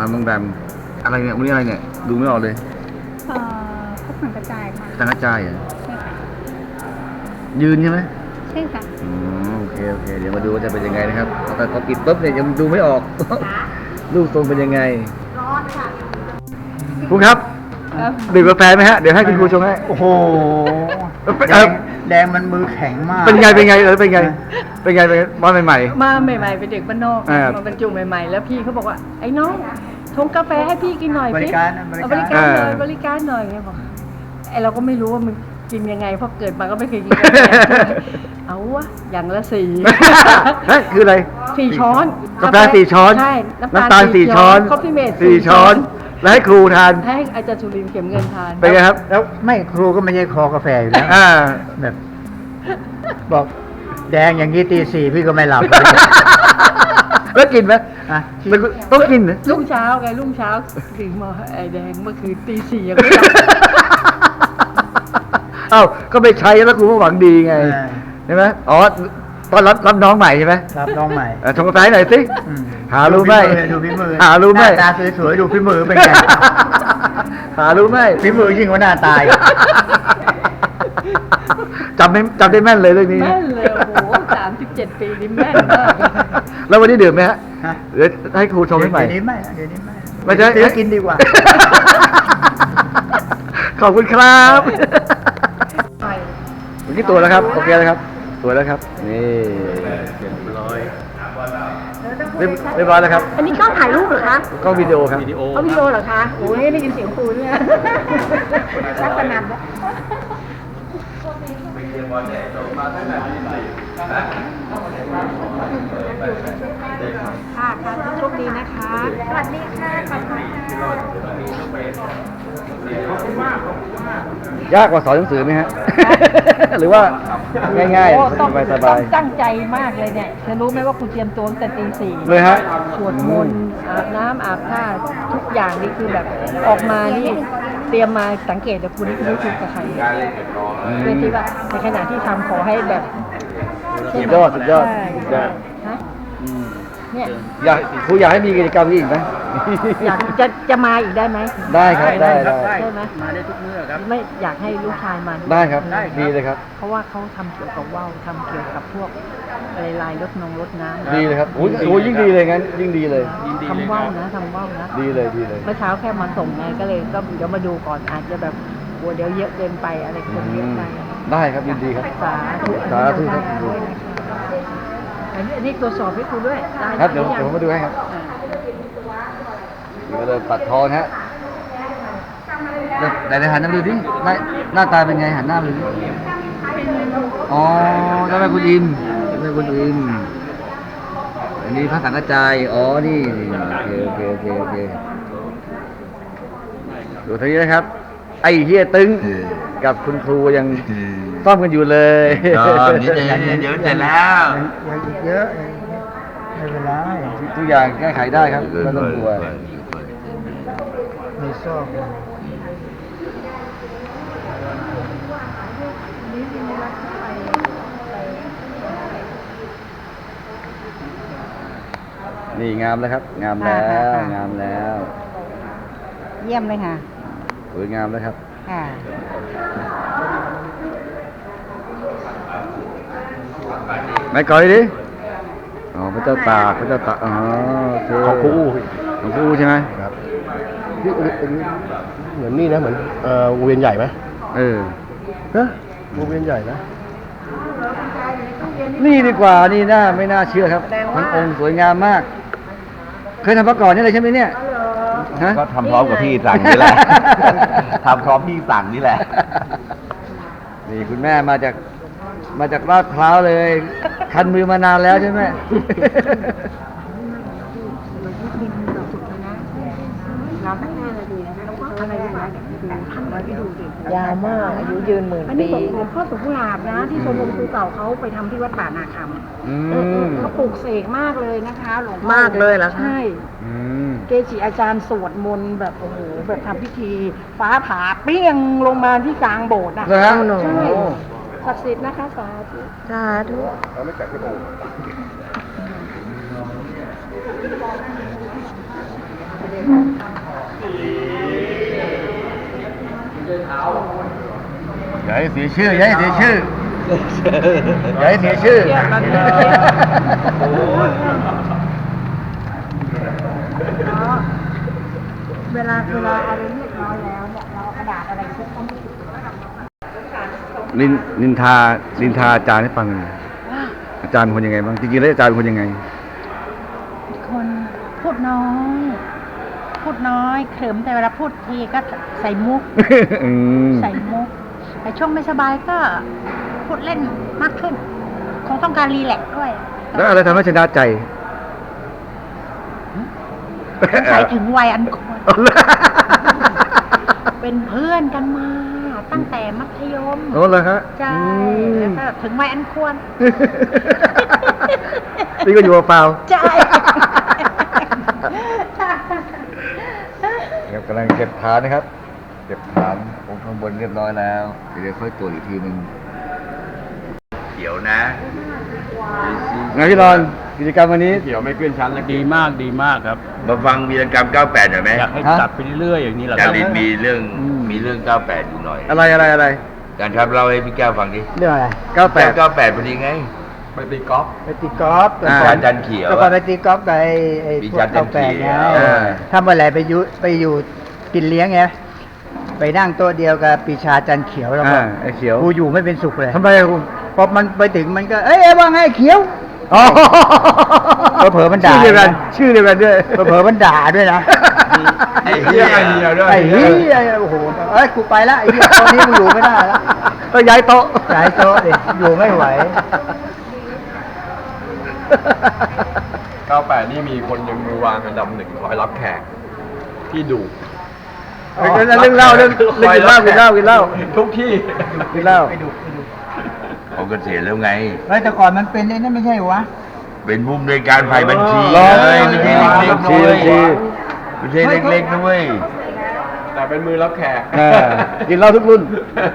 บางแบมอะไรเนี่ยวันนี้อะไรเนี่ยดูไม่ออกเลยพวกสังกระจายค่ะสังกระจายเหรอใช่ค่ะยืนใช่ไหมใช่ค่ะโอเคเดี๋ยวมาดูว่าจะเป็นยังไงนะครับแต่พอปิดปุ๊บเนี่ยยังดูไม่ออก รูปทรงเป็นยังไงร้อนค่ะครูครับดื่มกาแฟไหมฮะเดี๋ยวให้คุณครูชงให้โอ้โห แดงมันมือแข็งมากเป็นไงเป็นไงมาใหม่มาใหม่ๆเป็นเด็กบ้านนอกอ่ามาบรรจุใหม่ๆ แล้วพี่เขาบอกว่าไอ้น้องชงกาแฟให้พี่กินหน่อยบสิริการนะเอาบริการหน่อยบริการหน่อยไงบอกไอเราก็ไม่รู้ว่ามันกินยังไงเพราะเกิดมาก็ไม่เคยกินกาแฟเอาวะอย่างละ4 ๆเฮ้ยคืออะไร 4 ช้อนกาแฟ4 ช้อนใช่น้ำตาล4 ช้อนคอฟฟี่เมด 4 ช้อน แล้วให้ครูทานให้อาจารย์ชุลินเข็มเงินทานเป็นไงครับแล้วไม่ครูก็ไม่ใช่คอกาแฟอยู่แล้วอ่าแบบบอกแดงอย่างนี้ตี 4พี่ก็ไม่หลับแล้วกินไหมอ่ะต้องกินเหรอรุ่งเช้าถึงมาไอแดงเมื่อคืนตี 4ยังไม่หลับเอ้าก็ไปใช้แล้วครูก็หวังดีไงใช่ไหมอ๋อตอนรับน้องใหม่ใช่ไหมครับน้องใหม่ชงกาแฟให้หน่อยสิอืมหารู้ไหมดูฝีมือหารู้ไหมน้าตาสวยๆดูฝีมือเป็นไงหารู้ไหมฝีมือยิ่งกว่าหน้าตายจำได้แม่นเลยเรื่องนี้แม่นเลยโอ้โห37 ปีนี่แม่นมากแล้ววันนี้ดื่มไหมฮะฮะเดี๋ยวให้ครูชงให้ใหม่เดี๋ยวนี้ไม่ละเดี๋ยวนี้ไม่ละไม่ใช่เดี๋ยวกินดีกว่าขอบคุณครับเมื่อกี้ตัวแล้วครับโอเคแล้วครับตัวแล้วครับนี่เรียบร้อยแล้วครับอันนี้กล้องถ่ายรูปเหรอคะกล้องวิดีโอครับเอาวิดีโอเหรอคะโอ้ยได้ยินเสียงครูเนี่ยรักสนั่นแล้วค่ะโชคดีนะคะ สวัสดีค่ะขอบคุณค่ะยากกว่าสอนหนังสือไหมฮะ หรือว่าง่ายโอ้ต้องๆสบายตั้งใจมากเลยเนี่ยเธอรู้ไหมว่าคุณเตรียมตัวตั้งแต่ตี 4 ๆเลยฮะสวดมนต์อาบน้ำอาบท่าทุกอย่างนี่คือแบบออกมานี่เตรียมมาสังเกตแต่คุณนี่ไม่คุยกับใครเพื่อที่ว่าในขณะที่ทำขอให้แบบสุดยอดใช่ ฮะเนี่ยครูอยากให้มีกิจกรรมนี้อีกไหมอยากจะมาอีกได้ไหมได้ครับได้ใช่ไหมมาได้ทุกมื้อครับไม่อยากให้ลูกชายมาวยได้ครับดีเลยครับเพราะว่าเขาทำเกี่ยวกับว่าวทำเกี่ยวกับพวกอะไรลายรถน้ำดีเลยครับโอ้ยยิ่งดีเลยงั้นยิ่งดีเลยทำว่าวนะทำว่าวนะดีเลยเมื่อเช้าแค่มาส่งไงก็เลยก็เดี๋ยวมาดูก่อนอาจจะแบบกลัวเดี๋ยวเยอะเกินไปอะไรคนเยอะไปได้ครับยินดีครับสาธุสาธุครับอันนี้ตรวจสอบให้ครูด้วยได้ครับเดี๋ยวหรือผมมาดูให้ครับอ่าเดี๋ยวเราปัดทองฮะไหนหันหน้ามาดูดิหน้าตาเป็นไงหันหน้ามาดูดิอ๋อเจ้าแม่คุณอิมเจ้าแม่คุณอิมอันนี้พระสังฆจายอ๋อนี่โอเคดูทีนี้นะครับ ไอ้เฮียตึงกับคุณครูยังซ่อมกันอยู่เลยเดี๋ยวเสร็จแล้วยังอีกเยอะไม่เป็นไรทุกอย่างแก้ไขได้ครับไม่ต้องกลัวมีซอกอยู่นี่งามแล้วครับ งามแล้วงามแล้วเยี่ยมเลยค่ะสวยงามแล้วครับค่ะไหนก่อนดิอ๋อพระเจ้าตากอ๋อโอเคของครูอู้ของครูใช่ไหมครับเหมือนนี่นะเหมือนวงเวียนใหญ่ไหมเออนะวงเวียนใหญ่นะนี่ดีกว่านี่ไม่น่าเชื่อครับทั้งองค์สวยงามมาก เคยทำมาก่อนนี่เลยใช่ไหมเนี่ยฮะก็ทำพร้อมกับพี่สั่งนี่แหละ ทำพร้อมพี่สั่งนี่แหละนี่คุณแม่มาจากลาดพร้าวเลย คันมือมานานแล้วใช่ไหมเราตั้งหน้านาทีนะคะแล้วก็อะไรนะท่านไว้ไปดูดิยาวมากอายุยืนหมื่นอันนี้ปีหลวงพ่อสุขุลาบนะ ที่ชมรมครูเก่าเขาไปทำที่วัดป่านาคำอืมเขาปลูกเสกมากเลยนะคะหลวงพ่อมากเลยเหรอคะใช่อืมเกจิอาจารย์สวดมนต์แบบโอ้โหแบบทำพิธี ฟ้าผ่าเปรี้ยงลงมาที่กลางโบสถ์นะเหรอฮะใช่โอ้ศักดิ์สิทธิ์นะคะสาธุสาธุเให้เสียชื่ออย่าให้เสียชื่ออย่าให้เสียชื่อเครียดมันเลยเวลาอะไรเรียบร้อยแล้วเนี่ยเราเอากระดาษอะไรเช็ดก็ไม่ติดนินทาอาจารย์ให้ฟังหน่อยอาจารย์เป็นคนยังไงบ้างจริงๆแล้วอาจารย์เป็นคนยังไงคนพูดน้อยเขิมแต่เวลาพูดทีก็ใส่มุกอืมใส่มุกแต่ช่วงไม่สบายก็พูดเล่นมากขึ้น คงต้องการรีแลกซ์ด้วยแล้วอะไรทำให้ชนะใจใส่ถึงวัยอันควร เป็นเพื่อนกันมา ตั้งแต่มัธยมโอ้เหรอฮะใช่แล้วก็ถึงวัยอันควรนี่ก็อยู่เปล่าใช่ครับกำลังเก็บฐานนะครับ เก็บฐานผมข้างบนเรียบร้อยแล้ว เดี๋ยวค่อยตรวจอีกทีหนึ่งเขียวนะไงพี่รอนกิจกรรมวันนี้เขียวไม่ขึ้นชั้นแล้วดีมากครับมาฟังวีรกรรม 98 หน่อยไหมอยากให้ฮะจัดไปเรื่อยๆอย่างนี้แหละคจารับรินมีเรื่อง 98 อยู่หน่อยอะไรการครับเล่าให้พี่แก้วฟังดิเรื่องอะไร 98 98พอดีไงไปตีกอล์ฟไปตีกอล์ฟอ่าอาจารย์เขียวแล้วก็ไปตีกอล์ฟกับไอ้มีพวกจันทร์เก้าแปดเขีไงยวถ้าเมื่อไหร่ไปอยู่กินเลี้ยงไงไปนั่งโต๊ะเดียวกับปีชาจันเขียวแล้วก็ไอ้เขียวกูอยู่ไม่เป็นสุขเลยทำไมอะคุณพอมันไปถึงมันก็เอ้ยว่าไงเขียวอ๋อเผลอๆมันด่าชื่อเดียวกันชื่อเดียวกันด้วยเผลอๆมันด่าด้วยนะไอ้เหี้ยไอ้เหี้ยโอ้โหเอ้ยกูไปละไอ้เหี้ยตอนนี้กูอยู่ไม่ได้แล้วก็ย้ายโต๊ะย้ายโต๊ะดิอยู่ไม่ไหว 98 นี่มีคนยังมือวางอันดับหนึ่งคอยรับแขกที่ดุเรื่องเล่าเรื่องกินเหล้าทุกที่กินเหล้าเขาเกษียณแล้วไงเฮ้ยแต่ก่อนมันเป็นไอ้นั่นไม่ใช่เหรอวะเป็นผู้อำนวยการฝ่ายบัญชีรอเลยไม่ใช่เล็กๆบัญชีด้วยไม่ใช่เล็กๆด้วยแต่เป็นมือรับแขกกินเหล้าทุกรุ่น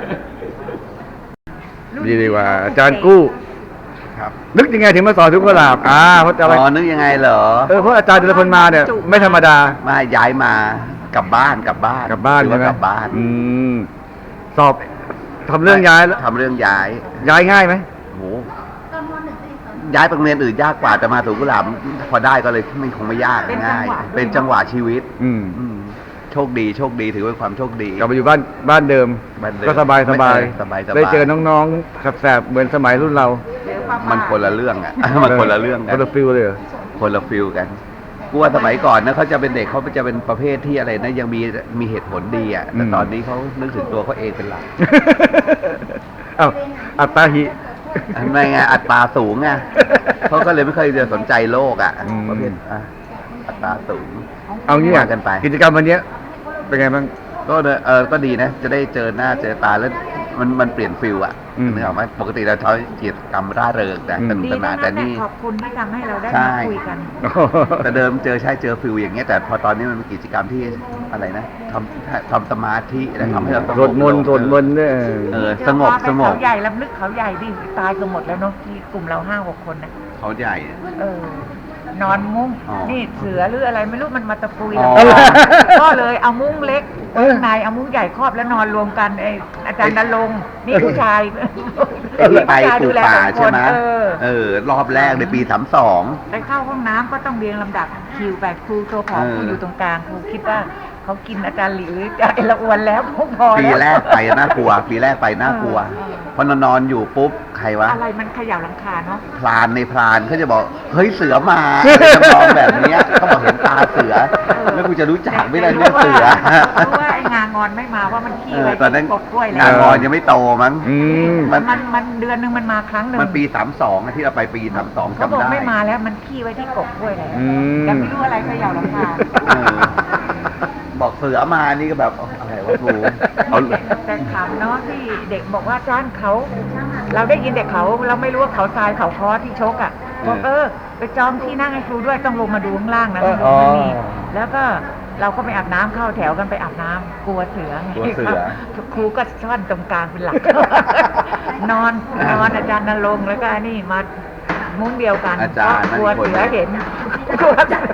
ดีกว่าอาจารย์กู้ครับนึกยังไงถึงมาสอนทุกกุหลาบเพราะอะไรอ๋อนึกยังไงเหรอเพราะอาจารย์แต่ละคนมาเนี่ยไม่ธรรมดามาย้ายมากลับบ้านกลับบ้านถือใช่ว่าไหมกลับบ้านสอบทำเรื่องย้ายแล้วทำเรื่องย้ายย้ายง่ายไหมโหย้ายไปโรงเรียนอื่นยากกว่าแต่มาถูกกุหลาบพอได้ก็เลยไม่คงไม่ยากง่าย เป็นจังหวะชีวิตอืมอืมโชคดีถือว่าความโชคดีกลับมาอยู่บ้านเดิมบ้านเดิมก็สบายสบายๆได้เจอน้องๆแสบๆเหมือนสมัยรุ่นเรามันคนละเรื่องอ่ะ มันคนละเรื่องกัคน นละฟิลเลยเหรอคนละฟิลกันกูว่าสมัยก่อนนะเขาจะเป็นเด็กเขาจะเป็นประเภทที่อะไรนะยังมีเหตุผลดีอ่ะแต่ตอนนี้เขานึกถึงตัวเขาเองเป็นหลักเอ้าอัตตาหิไม่ไงอัตราสูงไงเขาก็เลยไม่เคยจะสนใจโลกอ่ะอืมประเภทอัตราสูงเอางี้ว่ากันไปกิจกรรมวันเนี้ยเป็นไงบ้างก็ก็ดีนะ จะได้เจอหน้าเจอตาแล้วมันเปลี่ยนฟิลอ่ะอืมนึกออกไหมปกติเราใช้กิจกรรมร่าเริงนะอืมสนุกสนานแต่นี่ขอบคุณที่ทำให้เราได้ใช่มาคุยกันแต่เดิมเจอฟิลอย่างเงี้ยแต่พอตอนนี้มันเป็นกิจกรรมที่อะไรนะทำสมาธิแล้วทำให้เราสวดมนต์เนี่ยสงบเขาใหญ่ลำลึกเขาใหญ่ดิตายกันหมดแล้วเนาะที่กลุ่มเรา5-6 คนนะเขาใหญ่นอนมุ้งอ๋อนี่เสือหรืออะไรไม่รู้มันมาตะปุยอ๋อเราก็เลยเอามุ้งเล็กข้างในเอามุ้งใหญ่ครอบแล้วนอนรวมกันอาจารย์นรงค์นี่ผู้ชายไอ้ที่ไปผู้ชายปลูดูกแลป่า 2 ใช่ไหมคนรอบแรกในปี32 ไปเข้าห้องน้ำก็ต้องเรียงลำดับคิวไปครูตัวผอมครูอยู่ตรงกลางครูคิดว่าเขากินอาจารย์หลิวหรืออาจารย์ละอวนแล้วพอปีแล้วแรกไปน่ากลัวพอนอนอยู่ปุ๊บใครวะอะไรมันเขย่าหลังคาเนาะพรานเขาจะบอกเฮ้ยเสือมาจะมองแบบเนี้ยเขาบอกเห็นตาเสือ แล้วกูจะรู้จักไม่ได้เนี่ยเสือเพราะว่าไอ้งางอนไม่มาว่ามันขี้ไว้ตอนนั้นที่กบกล้วยงาแล้วนอนยังไม่โตมั้งอืมมันเดือนหนึงมันมาครั้งหนึ่งมันปี32อะที่เราไปปี32 เขาบจำอกได้ไม่มาแล้วมันขี้ไว้ที่กบกล้วยแล้วอืมแต่ไม่รู้อะไรเขย่าหลังคาเออบอกเสือมานี่ก็แบบอะไรวะกูเอาแต่ขำเนาะที่เด็กบอกว่าจ้านเขา เราได้ยินแต่เขาเราไม่รู้ว่าเขาทรายเขาคอที่ชกอ่ะบอกไปจองที่นั่งให้ครูด้วยต้องลงมาดูข้างล่างนะข้างบนไม่มีแล้วก็เราก็ไปอาบน้ำเข้าแถวกันไปอาบน้ำกลัวเสือไงกลัวเสือครูก็ซ่อนตรงกลางเป็นหลัก นอนอาจารย์นรงค์แล้วก็นี่มามุ้งเดียวกันอาจารย์กลัวเสือเห็น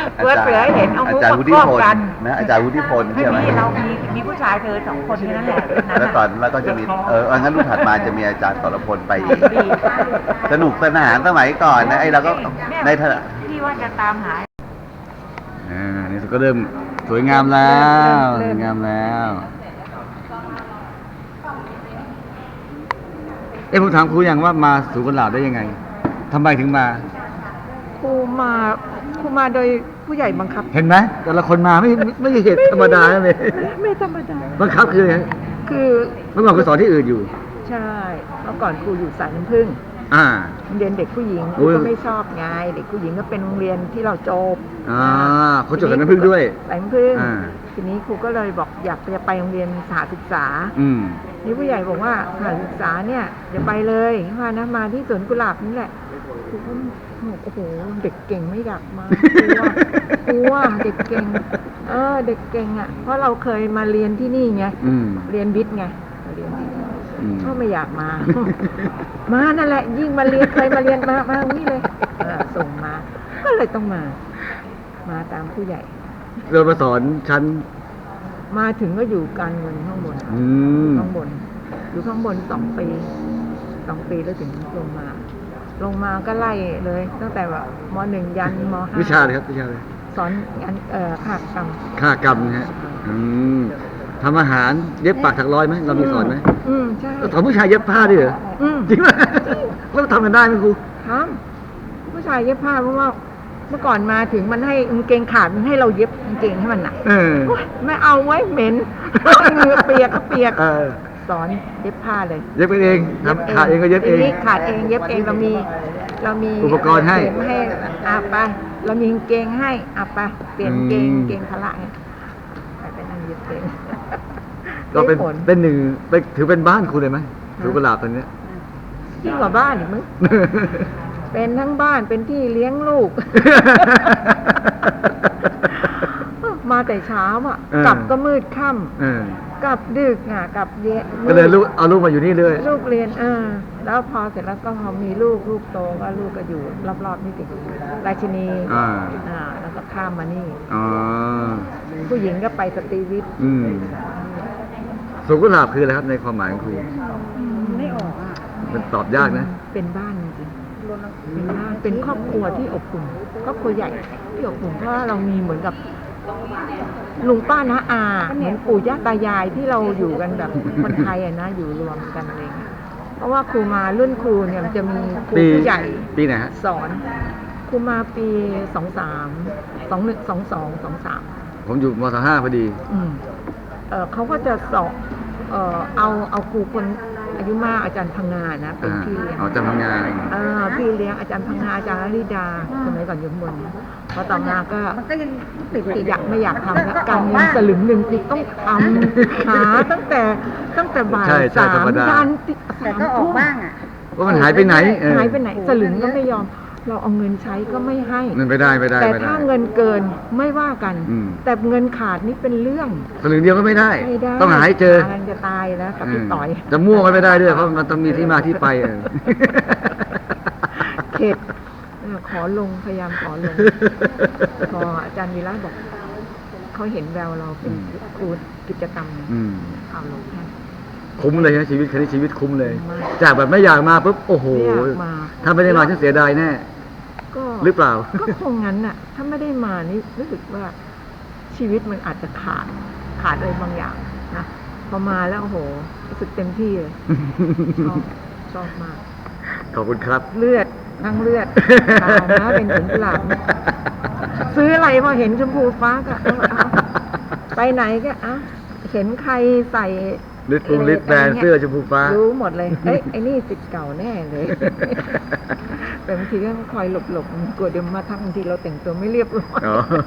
เสือเสือเห็นเอามุกอาจารย์มาวุฒิครอบพลกันนะอาจารย์วุฒิพลไม่ใช่ไหมมีเรามีผู้ชายเธอสองคนแค่นั้นแหละนั้นแล้วน่ะตอนแล้วก็จะมีงั้นรุ่นถัดมาจะมีอาจารย์สรพลไปอีกดีสนุกสนานสมัยก่อนนะไอ้เราก็ในฐานะที่ว่าจะตามหานี่ก็เริ่มสวยงามแล้วสวยงามแล้ว ผมถามครูอย่างว่ามาสู่กุหลาบได้ยังไงทำไมถึงมาครูมาโดยผู้ใหญ่บังคับเห็นไหมแต่ละคนมาไม่ใช่เหตุธรรมดาเลยไม่ธรรมดาบังคับคือไงคือเมื่อก่อนครูสอนที่อื่นอยู่ใช่เมื่อก่อนครูอยู่สายน้ำผึ้งอ่าโรงเรียนเด็กผู้หญิงคโอ้รูยก็ไม่ชอบไงเด็กผู้หญิงก็เป็นโรงเรียนที่เราจบเขาจดกันน้ำพึ่งด้วยสายน้ำผึ้งอ่าทีนี้ครูก็เลยบอกอยากจะไปโรงเรียนสหศึกษาอืมนี่ผู้ใหญ่บอกว่าสถานศึกษาเนี่ยอย่าไปเลยว่านะมาที่สวนกุหลาบนี่แหละครูก็บอกโอ้โหเด็กเก่งไม่อยากมากลัวเด็กเก่งเด็กเก่งอ่ะเพราะเราเคยมาเรียนที่นี่ไงอืมเรียนวิทย์ไงเรียนที่นี่อืมก็ไม่อยากมา มานั่นแหละ ยิ่งมาเรียนเคยมาเรียนมานี่เลยส่งมา ก็เลยต้องมาตามผู้ใหญ่เรามาสอนชั้นมาถึงก็อยู่การเงินข้างบนอืมข้างบน อยู่ข้างบน2 ปีแล้วถึงลงมาก็ไล่เลย ตั้งแต่แบบม.1 ยันม.5 วิชาเลยครับวิชาเลยสอนงานขากรรมค่ากรรมนะฮะทำอาหารเย็บปากถักร้อยไหมเรามีสอนไหมใช่สอนผู้ชายเย็บผ้าด้วยเหรอ จริงไหมแล้วทำกันได้ไหมครูทำผู้ชายเย็บผ้าเพราะว่าเมื่อก่อนมาถึงมันให้กางเกงขาดมันให้เราเย็บกางเกงให้มันหนักเออโอ๊ยไม่เอาไว้เหม็นเหงื่อเปียกก็เปียกเออสอนเย็บผ้าเลยเย็บเองทำขาดเองก็เย็บเองทีนี้ขาดเองเย็บเองเรามีอุปกรณ์ให้เข็มให้ไปเรามีกางเกงให้ไปเปลี่ยนเกงเกงพละให้ไปนั่งเย็บเองก็เป็นได้ผลเป็นหนึ่งถือเป็นบ้านครูเลยไหมถือกุหลาบตอนเนี้ยยิ่งกว่าบ้านอีกมึง เป็นทั้งบ้านเป็นที่เลี้ยงลูก มาแต่เช้ากลับก็มืดค่ำกลับดึกกลับเย็นก็เลยเอาลูกมาอยู่นี่เลยลูกเรียนแล้วพอเสร็จแล้วก็พอมีลูกโตก็ลูกก็อยู่รอบๆนี่ติดราชินีแล้วก็ข้ามมานี่อ๋อผู้หญิงก็ไปสตรีวิทย์สวนกุหลาบคืออะไรครับในความหมายของครูไม่ออกมันตอบยากนะเป็นบ้านจริงเป็นบ้านเป็นครอบครัวที่อบอุ่นครอบครัวใหญ่ที่อบอุ่นเพราะเรามีเหมือนกับลุงป้าน้าอาเหมือนปู่ย่าตายายที่เราอยู่กันแบบคนไทยนะอยู่รวมกันอะไรเงี้ยเพราะว่าครูมารุ่นครูเนี่ยมันจะมีครูผู้ใหญ่ปีไหนฮะสอนครูมาปี23 ผมอยู่ม.5พอดีเขาก็จะสอนเอาครูคนอายุมากอาจารย์พังงานะเป็นพี่เลี้ยงอาจารย์พังงาพี่เลี้ยงอาจารย์พังงาอาจารย์ลลิดาสมัยก่อนอยู่ข้างบนพอต่อมาก็ติดอยากไม่อยากทำแล้วการเงินสลึงหนึ่งคือต้องทำหาตั้งแต่บ่าย3 ยันแต่ก็ออกบ้างว่ามันหายไปไหนหายไปไหนสลึงก็ไม่ยอมเราเอาเงินใช้ก็ไม่ให้เงินไม่ได้แต่ถ้าเงินเกินไม่ว่ากัน แต่เงินขาดนี่เป็นเรื่องสลึงเดียวก็ไม่ได้ ต้องหาให้เจอจะตายแล้วกับพี่ต่อยจะมั่วก็ไม่ได้ด้วยเพราะมันต้องมีที่มาที่ไปเข็ดขอลงพยายามขอลงพออาจารย์วีระบอกเขาเห็นแววเราเป็นครูกิจกรรมเอาลงให้คุ้มเลยนะชีวิตคันนี้ชีวิตคุ้มเลย จากแบบไม่อยากมาปุ๊บโอ้โหถ้าไม่ได้มาฉันเสียดายแน่หรือเปล่าก็คงงั้นน่ะถ้าไม่ได้มานี่รู้สึกว่าชีวิตมันอาจจะขาดอะไรบางอย่างนะพอมาแล้วโอ้โหรู้สึกเต็มที่เลยชอบมากขอบคุณครับเลือดทั้งเลือดตายนะเป็นถึงกุหลาบซื้ออะไรพอเห็นชมพูฟ้าก็เอาไปไหนก็เห็นใครใส่ลิตแบรนด์เสื้อชมพูฟ้ารู้หมดเลยไอ้นี่ศิษย์เก่าแน่เลยแต่บางทีก็คอยหลบกลัวเดี๋ยวมาทักบางทีเราแต่งตัวไม่เรียบร้อย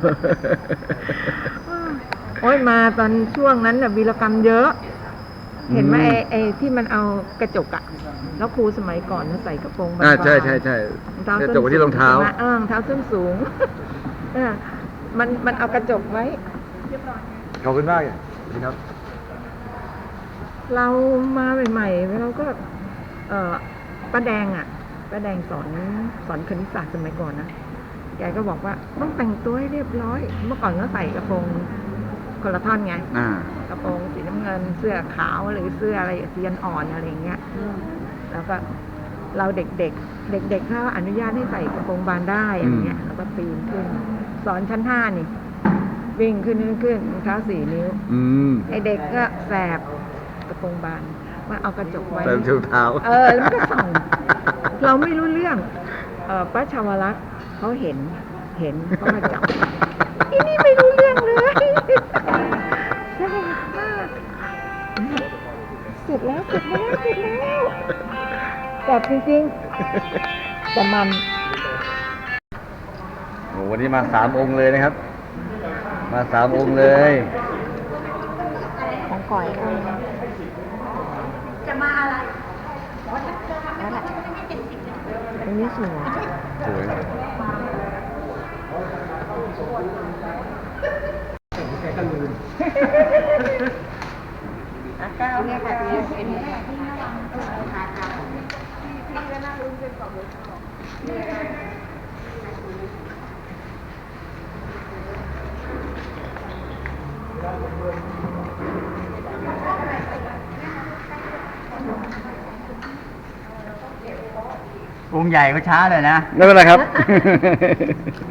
โอ้ยมาตอนช่วงนั้นน่ะวีรกรรมเยอะ เห็นไหมไอ้ที่มันเอากระจกแล้วครูสมัยก่อนใส่กระโปรงบางๆใช่กระจกที่รองเท้ารองเท้าส้นสูงมันเอากระจกไว้ขอบคุณมากครับเรามาใหม่ๆเราก็ป้าแดงสอนคณิตศาสตร์สมัยก่อนนะแกก็บอกว่าต้องแต่งตัวให้เรียบร้อย เมื่อก่อนก็ใส่กระโปรงคนละท่อนไง กระโปรงสีน้ำเงินเสื้อขาวหรือเสื้ออะไรสีอ่อนอะไรอย่างเงี้ยแล้วก็เราเด็กเขาอนุญาตให้ใส่กระโปรงบานได้อะไรเงี้ยแล้วก็ปีนขึ้น สอนชั้น 5นี่วิ่งขึ้นรองเท้า4 นิ้วไอเด็กก็แสบกระโปรงบานมาเอากระจกไว้ใส่รองเท้าแล้วมันก็ส่องเราไม่รู้เรื่องป้าชาวรักษ์เขาเห็นเขามาจับอีนี่ไม่รู้เรื่องเลยสนุกมากเสร็จแล้วจับจริงๆแต่มันโอ้วันนี้มา3 องค์เลยนะครับ มา3 องค์เลยของก่อยจะมาอะไรตรงนี้สวยสวยเลยองค์ใหญ่ก็ช้าเลยนะไม่เป็นไรครับ